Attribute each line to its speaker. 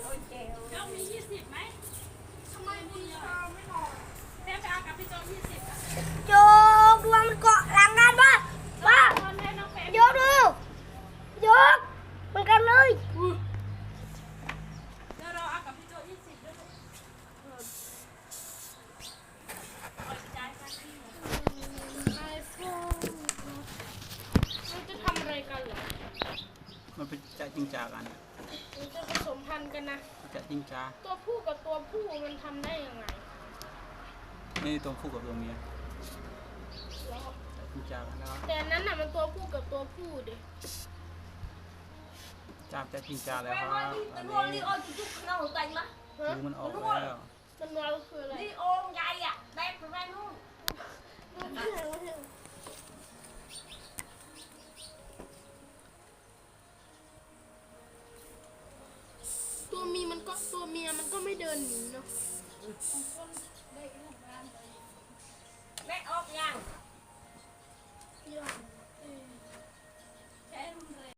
Speaker 1: เจ้ามี20ไหมทำไมบุญไม่นอนแม่ไปเอากับพี่โจ20อ่ะ
Speaker 2: โจกดวงมันเกาะหลังกันป่ะโยกดูโยกมันกันเลย
Speaker 1: เดี๋ยวเราเอากับพี่โจ20ด้วยเราจะทำอะไรกันเหรอ
Speaker 3: มันเป็นจะจริงจากัน
Speaker 1: มันจะผสมพันธุ์กันนะ
Speaker 3: จะจริงจา
Speaker 1: ตัวผู้กับตัวผู้มันทำได้ยังไง
Speaker 3: นี่ตัวผู้กับตัวเมียจริงจากันแล้ว
Speaker 1: แต่นั้นน่ะมันตัวผู้กับตัวผู้ดิ
Speaker 3: จับจะจริงจาแล้วครับอันนี้ดูมันออกแล้ว
Speaker 1: มันเราคืออะไร
Speaker 2: นี่โอมใหญ่อะแบกไปนู่น
Speaker 1: ตัวเมียมันก็ไม่เดินหนีเนาะ